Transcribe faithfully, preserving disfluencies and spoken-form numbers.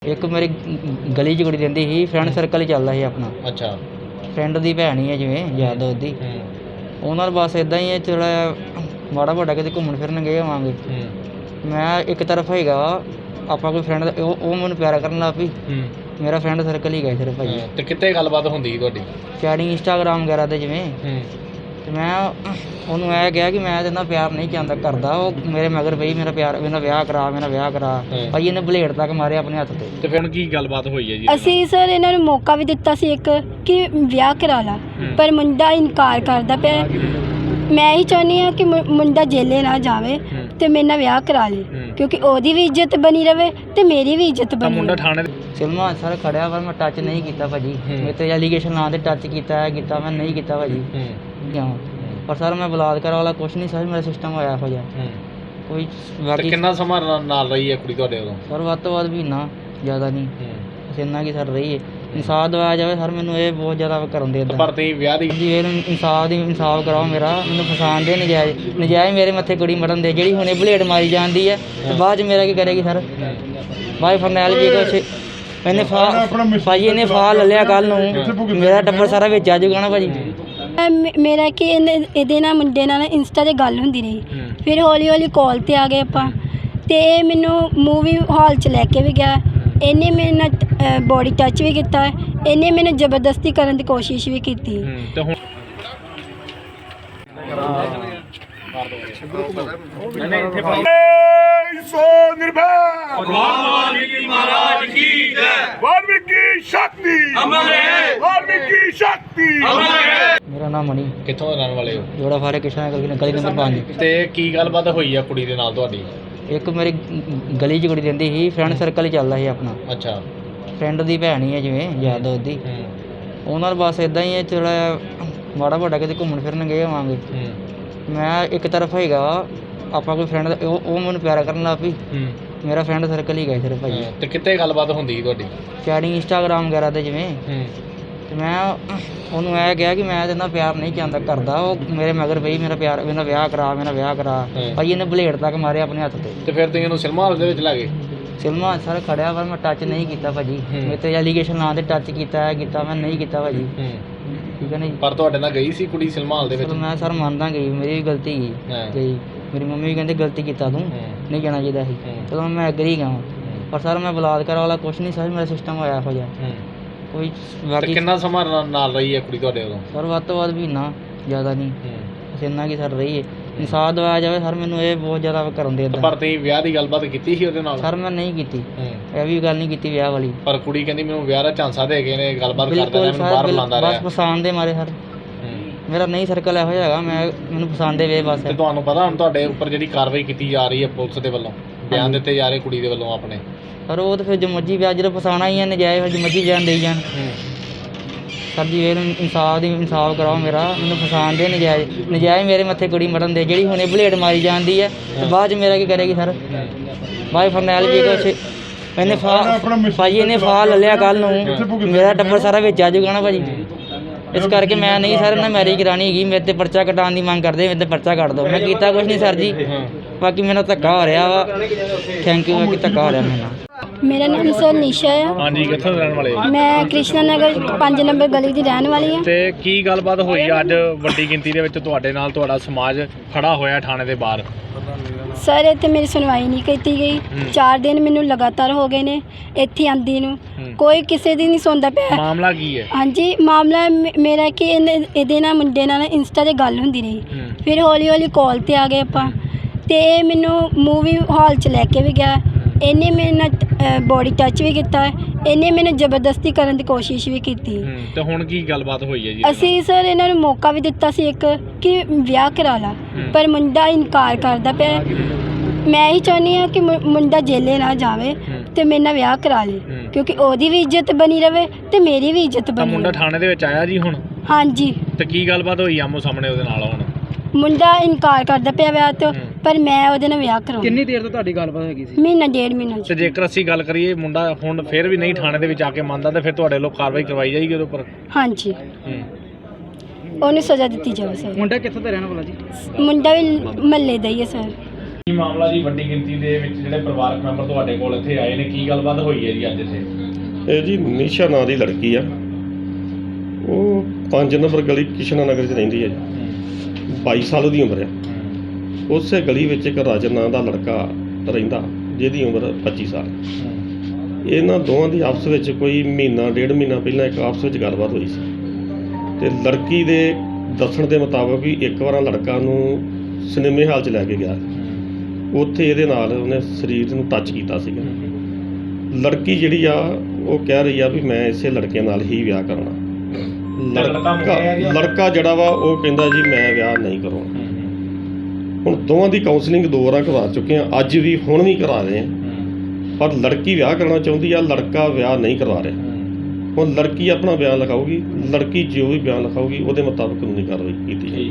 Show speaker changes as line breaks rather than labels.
ਇੱਕ ਮੇਰੀ ਗਲੀ 'ਚ ਕੁੜੀ ਰਹਿੰਦੀ ਸੀ, ਫਰੈਂਡ ਸਰਕਲ ਹੀ ਚੱਲਦਾ ਸੀ ਆਪਣਾ।
ਅੱਛਾ।
ਫਰੈਂਡ ਦੀ ਭੈਣ ਹੀ ਹੈ ਜਿਵੇਂ ਯਾਰ ਦੋਸਤ ਦੀ।
ਹੂੰ
ਉਹਨਾਂ ਨਾਲ ਬਸ ਇੱਦਾਂ ਹੀ ਹੈ, ਥੋੜ੍ਹਾ ਜਿਹਾ ਮਾੜਾ ਮੋਟਾ ਕਿਤੇ ਘੁੰਮਣ ਫਿਰਨ ਗਏ ਹੋਵਾਂਗੇ।
ਹੂੰ
ਮੈਂ ਇੱਕ ਤਰਫ ਹੈਗਾ ਆਪਾਂ ਕੋਈ ਫਰੈਂਡ ਉਹ ਉਹ ਮੈਨੂੰ ਪਿਆਰ ਕਰਨ ਲੱਗ ਪਈ।
ਹੂੰ
ਮੇਰਾ ਫਰੈਂਡ ਸਰਕਲ ਹੀ ਗਿਆ ਸਿਰਫ ਭਾਜੀ।
ਹਾਂ, ਤੇ ਕਿੱਥੇ ਗੱਲਬਾਤ ਹੁੰਦੀ ਸੀ ਤੁਹਾਡੀ?
ਚੈਟਿੰਗ ਇੰਸਟਾਗ੍ਰਾਮ ਵਗੈਰਾ 'ਤੇ ਜਿਵੇਂ।
ਹੂੰ
ਅਤੇ ਮੈਂ ਉਹਨੂੰ ਇਹ ਕਿਹਾ ਕਿ ਮੈਂ ਇਹਦੇ ਨਾਲ ਪਿਆਰ ਨਹੀਂ ਚਾਹੁੰਦਾ ਕਰਦਾ। ਉਹ ਮੇਰੇ ਮਗਰ ਪਈ ਮੇਰਾ ਪਿਆਰ ਮੇਰਾ ਵਿਆਹ ਕਰਾ ਮੇਰਾ ਵਿਆਹ ਕਰਾ
ਹਾਂ।
ਭਾਜੀ ਇਹਨੇ ਬਲੇਡ ਤੱਕ ਮਾਰੇ ਆਪਣੇ ਹੱਥ 'ਤੇ।
ਤੇ ਫਿਰ ਹੁਣ ਕੀ ਗੱਲਬਾਤ ਹੋਈ ਹੈ ਜੀ?
ਅਸੀਂ ਸਰ ਇਹਨਾਂ ਨੂੰ ਮੌਕਾ ਵੀ ਦਿੱਤਾ ਸੀ ਇੱਕ ਕਿ ਵਿਆਹ ਕਰਾ ਲਾ,
ਹੂੰ।
ਪਰ ਮੁੰਡਾ ਇਨਕਾਰ ਕਰਦਾ ਪਿਆ। ਮੈਂ ਹੀ ਚਾਹੁੰਦੀ ਹਾਂ ਕਿ ਮੁ- ਮੁੰਡਾ ਜੇਲੇ ਨਾ ਜਾਵੇ
ਹੂੰ।
ਤੇ ਮੇਰੇ ਨਾਲ ਵਿਆਹ ਕਰਾ ਲੇ,
ਹੂੰ।
ਕਿਉਂਕਿ ਉਹਦੀ ਵੀ ਇੱਜ਼ਤ ਬਣੀ ਰਵੇ ਤੇ ਮੇਰੀ ਵੀ ਇੱਜ਼ਤ
ਤਾਂ
ਬਣੀ
ਮੁੰਡਾ
ਰਵੇ।
ਥਾਣੇ ਦੇ
ਸਿਲਮਾ ਸਰ ਖੜਿਆ ਪਰ ਮੈਂ ਟੱਚ ਨਹੀਂ ਕੀਤਾ ਭਾਜੀ।
ਹੂੰ।
ਮੇਰੇ 'ਤੇ ਐਲੀਗੇਸ਼ਨ ਨਾਂ 'ਤੇ ਟੱਚ ਕੀਤਾ ਹੈ ਕੀਤਾ ਮੈਂ ਨਹੀਂ ਕੀਤਾ ਭਾਜੀ।
ਹੂੰ
ਕਿਉਂ? ਪਰ ਸਰ ਮੈਂ ਬਲਾਤਕਾਰ ਵਾਲਾ ਕੁਛ ਨਹੀਂ ਸਰ, ਮੇਰਾ ਸਿਸਟਮ ਹੋਇਆ ਇਹੋ ਜਿਹਾ
ਹੂੰ।
ਕੋਈ
ਤੇ
ਬਾਕੀ
ਕਿੰਨਾ ਸਮਾਂ ਨਾਲ- ਨਾਲ ਰਹੀ ਹੈ ਕੁੜੀ ਤੁਹਾਡੇ ਉਦੋਂ?
ਸਰ ਵੱਧ ਤੋਂ ਵੱਧ ਮਹੀਨਾ, ਜ਼ਿਆਦਾ ਨਹੀਂ,
ਹੂੰ।
ਬਸ ਇੰਨਾ ਕੀ ਸਰ ਰਹੀ ਹੈ। ਇਨਸਾਫ ਦਿਵਾਇਆ ਜਾਵੇ ਸਰ, ਮੈਨੂੰ ਇਹ ਬਹੁਤ ਜ਼ਿਆਦਾ ਕਰਨ ਦੇ
ਤੇ
ਇੱਦਾਂ
ਪਰ ਤੁਸੀਂ ਵਿਆਹ ਦੀ
ਜੀ। ਇਹ ਇਨਸਾਫ ਦੀ ਇਨਸਾਫ ਕਰਾਓ ਮੇਰਾ, ਮੈਨੂੰ ਫਸਾਣ ਦੇ ਨਜਾਇਜ਼ ਨਜਾਇਜ਼ ਮੇਰੇ ਮੱਥੇ ਕੁੜੀ ਮਰਨ ਦੇ, ਜਿਹੜੀ ਹੁਣੇ ਬਲੇਡ ਮਾਰੀ ਜਾਂਦੀ ਹੈ ਤੇ ਬਾਅਦ 'ਚ ਮੇਰਾ ਕੀ ਕਰੇਗੀ ਸਰ? ਬਾਈ ਫਰਨੈਲ ਜੀ ਕੁਛ ਇਹਨੇ ਫਾ ਭਾਜੀ ਇਹਨੇ ਫਾ ਲੈ ਲਿਆ ਕੱਲ੍ਹ ਨੂੰ, ਮੇਰਾ ਟੱਬਰ ਸਾਰਾ ਵਿੱਚ ਆ ਜਾਊਗਾ ਨਾ ਭਾਜੀ।
ਮੈਂ- ਮੇਰਾ ਕਿ ਇਹਨੇ ਇਹਦੇ ਨਾਲ ਮੁੰਡੇ ਨਾਲ ਇੰਸਟਾ 'ਤੇ ਗੱਲ ਹੁੰਦੀ ਰਹੀ,
ਹੂੰ।
ਫਿਰ ਹੌਲੀ ਹੌਲੀ ਕਾਲ 'ਤੇ ਆ ਗਏ ਆਪਾਂ, ਤੇ ਇਹ ਮੈਨੂੰ ਮੂਵੀ ਹਾਲ 'ਚ ਲੈ ਕੇ ਵੀ ਗਿਆ। ਇਹਨੇ ਮੇਰੇ ਨਾਲ ਬੋਡੀ ਟੱਚ ਵੀ ਕੀਤਾ, ਇਹਨੇ ਮੈਨੂੰ ਜ਼ਬਰਦਸਤੀ ਕਰਨ ਦੀ ਕੋਸ਼ਿਸ਼ ਵੀ ਕੀਤੀ।
ਹੂੰ। ਤੇ ਹੁਣ
सो निर्भय वाल्मीकि महाराज की जय। वाल्मीकि शक्ति अमर है। वाल्मीकि शक्ति अमर है।
ਮੇਰਾ ਨਾਮ ਮਣੀ,
ਕਿੱਥੋਂ ਦੇ ਰਹਿਣ ਵਾਲੇ ਹੋ?
ਜੋੜਾ ਫਾਰੇ ਕਿਸ਼ਨਾ ਗਲੀ ਗਲੀ ਨੰਬਰ ਪੰਜ।
ਤੇ ਕੀ ਗੱਲਬਾਤ ਹੋਈ ਆ ਕੁੜੀ ਦੇ ਨਾਲ ਤੁਹਾਡੀ?
ਇੱਕ ਮੇਰੀ ਗਲੀ 'ਚ ਕੁੜੀ ਰਹਿੰਦੀ ਸੀ, ਫਰੈਂਡ ਸਰਕਲ ਹੀ ਚੱਲਦਾ ਸੀ ਆਪਣਾ।
ਅੱਛਾ।
ਫਰੈਂਡ ਦੀ ਭੈਣ ਹੀ ਹੈ ਜਿਵੇਂ ਯਾਰ ਦੋਸਤ ਦੀ।
ਹੂੰ
ਉਹਨਾਂ ਨਾਲ ਬਸ ਇੱਦਾਂ ਹੀ ਹੈ, ਥੋੜ੍ਹਾ ਜਿਹਾ ਮਾੜਾ ਮੋਟਾ ਕਿਤੇ ਘੁੰਮਣ ਫਿਰਨ ਗਏ ਹੋਵਾਂਗੇ।
ਹੂੰ
ਮੈਂ ਇੱਕ ਤਰਫ ਹੈਗਾ ਆਪਾਂ ਕੋਈ ਫਰੈਂਡ ਉਹ ਉਹ ਮੈਨੂੰ ਪਿਆਰ ਕਰਨ ਲੱਗ ਪਈ।
ਹੂੰ
ਮੇਰਾ ਫਰੈਂਡ ਸਰਕਲ ਹੀ ਗਿਆ ਸਿਰਫ ਭਾਜੀ।
ਹਾਂ, ਤੇ ਕਿੱਥੇ ਗੱਲਬਾਤ ਹੁੰਦੀ ਸੀ ਤੁਹਾਡੀ?
ਚੈਟਿੰਗ ਇੰਸਟਾਗ੍ਰਾਮ ਵਗੈਰਾ 'ਤੇ ਜਿਵੇਂ।
ਹੂੰ
ਅਤੇ ਮੈਂ ਉਹਨੂੰ ਇਹ ਕਿਹਾ ਕਿ ਮੈਂ ਇਹਦੇ ਨਾਲ ਪਿਆਰ ਨਹੀਂ ਚਾਹੁੰਦਾ ਕਰਦਾ। ਉਹ ਮੇਰੇ ਮਗਰ ਪਈ ਮੇਰਾ ਪਿਆਰ ਮੇਰਾ ਵਿਆਹ ਕਰਾ ਮੇਰਾ ਵਿਆਹ ਕਰਾ
ਹਾਂ।
ਭਾਜੀ ਇਹਨੇ ਬਲੇਡ ਤੱਕ ਮਾਰੇ ਆਪਣੇ ਹੱਥ 'ਤੇ।
ਤੇ ਫਿਰ ਤੁਸੀਂ ਇਹਨੂੰ ਸਿਨੇਮਾ ਹਾਲ ਦੇ ਵਿੱਚ ਲੈ ਗਏ?
ਸਿਲਮਾ ਸਰ ਖੜਿਆ ਪਰ ਮੈਂ ਟੱਚ ਨਹੀਂ ਕੀਤਾ ਭਾਜੀ।
ਹੂੰ।
ਮੇਰੇ 'ਤੇ ਐਲੀਗੇਸ਼ਨ ਨਾਂ 'ਤੇ ਟੱਚ ਕੀਤਾ ਹੈ ਕੀਤਾ ਮੈਂ ਨਹੀਂ ਕੀਤਾ ਭਾਜੀ।
ਹੂੰ।
ਠੀਕ ਹੈ ਨਾ ਜੀ।
ਪਰ ਤੁਹਾਡੇ ਨਾਲ ਗਈ ਸੀ ਕੁੜੀ ਸਿਨੇਮਾ ਹਾਲ ਦੇ ਵਿੱਚ?
ਚਲੋ ਮੈਂ ਸਰ ਮੰਨਦਾ ਗਈ, ਮੇਰੀ ਵੀ ਗਲਤੀ ਗਈ
ਹਾਂ।
ਗਈ ਮੇਰੀ ਮੰਮੀ ਵੀ ਕਹਿੰਦੇ ਗਲਤੀ ਕੀਤਾ ਤੂੰ,
ਹੂੰ।
ਨਹੀਂ ਜਾਣਾ ਚਾਹੀਦਾ ਸੀ।
ਹੂੰ।
ਚਲੋ ਮੈਂ ਐਗਰੀ ਗਿਆ
ਹੂੰ।
ਪਰ ਸਰ ਮੈਂ ਬਲਾਤਕਾਰ ਵਾਲਾ ਕੁਛ ਨਹੀਂ ਸਰ, ਮੇਰਾ ਸਿਸਟਮ ਹੋਇਆ ਇਹੋ ਜਿਹਾ
ਹੂੰ।
ਕੋਈ
ਤੇ
ਬਾਕੀ
ਕਿੰਨਾ ਸਮਾਂ ਨਾਲ- ਨਾਲ ਰਹੀ ਹੈ ਕੁੜੀ ਤੁਹਾਡੇ ਉਦੋਂ?
ਸਰ ਵੱਧ ਤੋਂ ਵੱਧ ਮਹੀਨਾ, ਜ਼ਿਆਦਾ ਨਹੀਂ,
ਹੂੰ।
ਬਸ ਇੰਨਾ ਕੀ ਸਰ ਰਹੀ ਹੈ। ਇਨਸਾਫ ਦਿਵਾਇਆ ਜਾਵੇ ਸਰ, ਮੈਨੂੰ ਇਹ ਬਹੁਤ ਜ਼ਿਆਦਾ ਕਰਨ ਦੇ
ਤੇ
ਇੱਦਾਂ।
ਪਰ ਤੁਸੀਂ ਵਿਆਹ ਦੀ ਗੱਲਬਾਤ ਕੀਤੀ ਸੀ ਉਹਦੇ ਨਾਲ?
ਸਰ ਮੈਂ ਨਹੀਂ ਕੀਤੀ,
ਹੂੰ।
ਇਹ ਵੀ ਗੱਲ ਨਹੀਂ ਕੀਤੀ ਵਿਆਹ ਵਾਲੀ।
ਪਰ ਕੁੜੀ ਕਹਿੰਦੀ ਮੈਨੂੰ ਵਿਆਹ ਦਾ ਝਾਂਸਾ ਦੇ ਗਏ ਨੇ, ਗੱਲਬਾਤ ਕਰਦਾ
ਬਿਲਕੁਲ
ਰਿਹਾ, ਮੈਨੂੰ
ਸਰ
ਬਾਹਰ
ਬਿਲ-
ਬੁਲਾਉਂਦਾ
ਬਸ
ਰਿਹਾ।
ਪਸੰਦ ਦੇ ਮਾਰੇ ਸਰ,
ਹੂੰ।
ਮੇਰਾ ਨਹੀਂ ਸਰਕਲ ਇਹੋ ਜਿਹਾ ਹੈਗਾ, ਮੈਂ ਮੈਨੂੰ ਪਸੰਦ ਦੇ ਵੇ ਬਸ।
ਤੇ ਤੁਹਾਨੂੰ ਪਤਾ ਹੁਣ ਤੁਹਾਡੇ ਉੱਪਰ ਜਿਹੜੀ ਕਾਰਵਾਈ ਕੀਤੀ ਜਾ ਰਹੀ ਹੈ ਪੁਲਿਸ ਦੇ ਵੱਲੋਂ, ਬਿਆਨ
ਹਾਂਜੀ।
ਦਿੱਤੇ ਜਾ ਰਹੇ ਕੁੜੀ ਦੇ ਵੱਲੋਂ ਆਪਣੇ?
ਸਰ ਉਹ ਤਾਂ ਫਿਰ ਜੋ ਮਰਜ਼ੀ ਵਿਆਹ ਜਦੋਂ ਫਸਾਉਣਾ ਹੀ ਹੈ ਨਜਾਇਜ਼, ਫਿਰ ਜੋ ਮਰਜ਼ੀ ਬਿਆਨ ਦੇਈ ਜਾਣ।
ਹੂੰ।
ਸਰ ਜੀ ਇਹ ਇਨਸਾਫ ਦੀ ਇਨਸਾਫ ਕਰਾਓ ਮੇਰਾ, ਮੈਨੂੰ ਫਸਾਣ ਦੇ ਨਜਾਇਜ਼ ਨਜਾਇਜ਼ ਮੇਰੇ ਮੱਥੇ ਕੁੜੀ ਮਰਨ ਦੇ, ਜਿਹੜੀ ਹੁਣੇ ਬਲੇਡ ਮਾਰੀ ਜਾਂਦੀ ਹੈ ਤੇ ਬਾਅਦ 'ਚ ਮੇਰਾ ਕੀ ਕਰੇਗੀ ਸਰ? ਬਾਈ ਫਰਨੈਲ ਜੀ ਕੁਛ ਇਹਨੇ ਫਾ ਭਾਜੀ ਇਹਨੇ ਫਾ ਲੈ ਲਿਆ ਕੱਲ੍ਹ ਨੂੰ, ਮੇਰਾ ਟੱਬਰ ਸਾਰਾ ਵਿੱਚ ਆ ਜਾਊਗਾ ਨਾ ਭਾਜੀ। ਇਸ ਕਰਕੇ ਮੈਂ ਨਹੀਂ ਸਰ ਨਾ ਮੈਰਿਜ ਕਰਾਉਣੀ ਹੈਗੀ। ਮੇਰੇ 'ਤੇ ਪਰਚਾ ਕਟਾਉਣ ਦੀ ਮੰਗ ਕਰਦੇ, ਮੇਰੇ 'ਤੇ ਪਰਚਾ ਕੱਟ ਦਿਓ। ਮੈਂ ਕੀਤਾ ਕੁਛ ਨਹੀਂ ਸਰ ਜੀ, ਬਾਕੀ ਮੈਨੂੰ ਧੱਕਾ ਹੋ ਰਿਹਾ ਵਾ। ਥੈਂਕ ਯੂ ਬਾਕੀ ਧੱਕਾ ਹੋ ਰਿਹਾ ਮੇਰੇ ਨਾਲ।
ਮੇਰਾ ਨਾਮ ਸਰ ਨਿਸ਼ਾ ਆ,
ਹਾਂਜੀ, ਕਿੱਥੋਂ ਦੇ ਰਹਿਣ ਵਾਲੇ ਹੋ?
ਮੈਂ ਕ੍ਰਿਸ਼ਨਾ ਨਗਰ ਪੰਜ ਨੰਬਰ ਗਲੀ ਦੀ ਰਹਿਣ ਵਾਲੀ ਹਾਂ।
ਤੇ ਕੀ ਗੱਲਬਾਤ ਹੋਈ ਅੱਜ ਵੱਡੀ ਗਿਣਤੀ ਦੇ ਵਿੱਚ ਤੁਹਾਡੇ ਨਾਲ ਤੁਹਾਡਾ ਸਮਾਜ ਖੜਾ ਹੋਇਆ ਥਾਣੇ ਦੇ ਬਾਹਰ?
ਸਰ ਇੱਥੇ ਮੇਰੀ ਸੁਣਵਾਈ ਨਹੀਂ ਕੀਤੀ ਗਈ। ਚਾਰ ਦਿਨ ਮੈਨੂੰ ਲਗਾਤਾਰ ਹੋ ਗਏ ਨੇ ਇੱਥੇ ਆਂਦੀ ਨੂੰ,
ਹੂੰ।
ਕੋਈ ਕਿਸੇ ਦੀ ਨਹੀਂ ਸੁਣਦਾ ਪਿਆ।
ਮਾਮਲਾ ਕੀ ਹੈ?
ਹਾਂਜੀ, ਮਾਮਲਾ ਮੇ- ਮੇਰਾ ਕਿ ਇਹਨੇ ਇਹਦੇ ਨਾਲ ਮੁੰਡੇ ਨਾਲ ਇੰਸਟਾ 'ਤੇ ਗੱਲ ਹੁੰਦੀ ਰਹੀ,
ਹੂੰ।
ਫਿਰ ਹੌਲੀ ਹੌਲੀ ਕਾਲ 'ਤੇ ਆ ਗਏ ਆਪਾਂ, ਤੇ ਇਹ ਮੈਨੂੰ ਮੂਵੀ ਹਾਲ 'ਚ ਲੈ ਕੇ ਵੀ ਗਿਆ। ਇਹਨੇ ਮੇਰੇ ਨਾਲ ਬੋਡੀ ਟੱਚ ਵੀ ਕੀਤਾ, ਇਹਨੇ ਮੈਨੂੰ ਜ਼ਬਰਦਸਤੀ ਕਰਨ ਦੀ ਕੋਸ਼ਿਸ਼ ਵੀ ਕੀਤੀ।
ਹੂੰ। ਤੇ ਹੁਣ ਕੀ ਗੱਲਬਾਤ ਹੋਈ ਹੈ ਜੀ?
ਅਸੀਂ ਸਰ ਇਹਨਾਂ ਨੂੰ ਮੌਕਾ ਵੀ ਦਿੱਤਾ ਸੀ ਇੱਕ ਕਿ ਵਿਆਹ ਕਰਾ ਲਾ,
ਹੂੰ।
ਪਰ ਮੁੰਡਾ ਇਨਕਾਰ ਕਰਦਾ ਪਿਆ। ਮੈਂ ਹੀ ਚਾਹੁੰਦੀ ਹਾਂ ਕਿ ਮੁ- ਮੁੰਡਾ ਜੇਲੇ ਨਾ ਜਾਵੇ
ਹੂੰ।
ਤੇ ਮੇਰੇ ਨਾਲ ਵਿਆਹ ਕਰਾ ਲੇ,
ਹੂੰ।
ਕਿਉਂਕਿ ਉਹਦੀ ਵੀ ਇੱਜ਼ਤ ਬਣੀ ਰਵੇ ਤੇ ਮੇਰੀ ਵੀ ਇੱਜ਼ਤ
ਤਾਂ
ਬਣੀ
ਮੁੰਡਾ
ਰਵੇ।
ਥਾਣੇ ਦੇ ਵਿੱਚ ਆਇਆ ਜੀ ਹੁਣ?
ਹਾਂਜੀ,
ਤੇ ਕੀ ਗੱਲਬਾਤ ਹੋਈ ਆਮੋ ਸਾਹਮਣੇ ਉਹਦੇ ਨਾਲ ਹੁਣ?
ਮੁੰਡਾ ਇਨਕਾਰ ਕਰਦਾ ਪਿਆ ਵਿਆਹ ਤੋਂ,
ਹੂੰ।
ਪਰ ਮੈਂ ਉਹਦੇ ਨਾਲ ਵਿਆਹ ਕਰਾਉਣਾ।
ਕਿੰਨੀ ਦੇਰ ਤੋਂ ਤੁਹਾਡੀ ਗੱਲਬਾਤ ਹੈਗੀ ਸੀ?
ਮਹੀਨਾ ਡੇਢ ਮਹੀਨਾ
ਤੇ ਜੇਕਰ ਅਸੀਂ ਗੱਲ ਕਰੀਏ ਮੁੰਡਾ ਹੁਣ ਫਿਰ ਵੀ ਨਹੀਂ ਥਾਣੇ ਦੇ ਵਿੱਚ ਆ ਕੇ ਮੰਨਦਾ, ਤੇ ਫਿਰ ਤੁਹਾਡੇ ਲੋਕ ਕਾਰਵਾਈ ਕਰਵਾਈ ਜਾਏਗੀ ਉਹਦੇ ਉੱਪਰ?
ਹਾਂਜੀ,
ਹੂੰ।
ਉਹਨੂੰ ਸਜ਼ਾ ਦਿੱਤੀ ਜਾਵੇ ਸਰ।
ਮੁੰਡਾ ਕਿੱਥੋਂ ਦਾ ਰਹਿਣ ਵਾਲਾ ਜੀ?
ਮੁੰਡਾ ਵੀ ਮਹੱਲੇ ਦਾ ਹੀ ਹੈ ਸਰ।
ਕੀ ਮਾਮਲਾ ਜੀ, ਵੱਡੀ ਗਿਣਤੀ ਦੇ ਵਿੱਚ ਜਿਹੜੇ ਪਰਿਵਾਰਕ ਮੈਂਬਰ ਤੁਹਾਡੇ ਕੋਲ ਇੱਥੇ ਆਏ ਨੇ, ਕੀ ਗੱਲਬਾਤ ਹੋਈ ਹੈ ਜੀ ਅੱਜ ਇੱਥੇ?
ਇਹ ਜੀ ਨਿਸ਼ਾ ਨਾਂ ਦੀ ਲੜਕੀ ਆ, ਉਹ ਪੰਜ ਨੰਬਰ ਗਲੀ ਕਿਸ਼ਨਾ ਨਗਰ 'ਚ ਰਹਿੰਦੀ ਹੈ ਜੀ। ਬਾਈ ਸਾਲ ਦੀ ਉਮਰ ਆ। ਉਸੇ ਗਲੀ ਵਿੱਚ ਇੱਕ ਰਾਜਨ ਨਾਂ ਦਾ ਲੜਕਾ ਰਹਿੰਦਾ ਜਿਹਦੀ ਉਮਰ ਪੱਚੀ ਸਾਲ। ਇਹਨਾਂ ਦੋਵਾਂ ਦੀ ਆਪਸ ਵਿੱਚ ਕੋਈ ਮਹੀਨਾ ਡੇਢ ਮਹੀਨਾ ਪਹਿਲਾਂ ਇੱਕ ਆਪਸ ਵਿੱਚ ਗੱਲਬਾਤ ਹੋਈ ਸੀ ਤੇ ਲੜਕੀ ਦੇ ਦੱਸਣ ਦੇ ਮੁਤਾਬਕ ਵੀ ਇੱਕ ਵਾਰ ਲੜਕਾ ਨੂੰ ਸਿਨੇਮੇ ਹਾਲ 'ਚ ਲੈ ਕੇ ਗਿਆ, ਉੱਥੇ ਇਹਦੇ ਨਾਲ ਉਹਨੇ ਸਰੀਰ ਨੂੰ ਟੱਚ ਕੀਤਾ ਸੀਗਾ। ਲੜਕੀ ਜਿਹੜੀ ਆ ਉਹ ਕਹਿ ਰਹੀ ਆ ਵੀ ਮੈਂ ਇਸੇ ਲੜਕੇ ਨਾਲ ਹੀ ਵਿਆਹ ਕਰਨਾ। ਲੜਕਾ ਲੜਕਾ ਜਿਹੜਾ ਵਾ ਉਹ ਕਹਿੰਦਾ ਜੀ ਮੈਂ ਵਿਆਹ ਨਹੀਂ ਕਰਾਉਣਾ। ਹੁਣ ਦੋਵਾਂ ਦੀ ਕਾਉਂਸਲਿੰਗ ਦੋ ਵਾਰਾਂ ਕਰਵਾ ਚੁੱਕੇ ਆ, ਅੱਜ ਵੀ ਹੁਣ ਵੀ ਕਰਾ ਰਹੇ ਆ, ਪਰ ਲੜਕੀ ਵਿਆਹ ਕਰਨਾ ਚਾਹੁੰਦੀ ਆ, ਲੜਕਾ ਵਿਆਹ ਨਹੀਂ ਕਰਵਾ ਰਿਹਾ। ਹੁਣ ਲੜਕੀ ਆਪਣਾ ਬਿਆਨ ਲਿਖਾਊਗੀ, ਲੜਕੀ ਜੋ ਵੀ ਬਿਆਨ ਲਿਖਾਊਗੀ ਉਹਦੇ ਮੁਤਾਬਕ ਕਾਨੂੰਨੀ ਕਾਰਵਾਈ ਕੀਤੀ ਜਾਏਗੀ।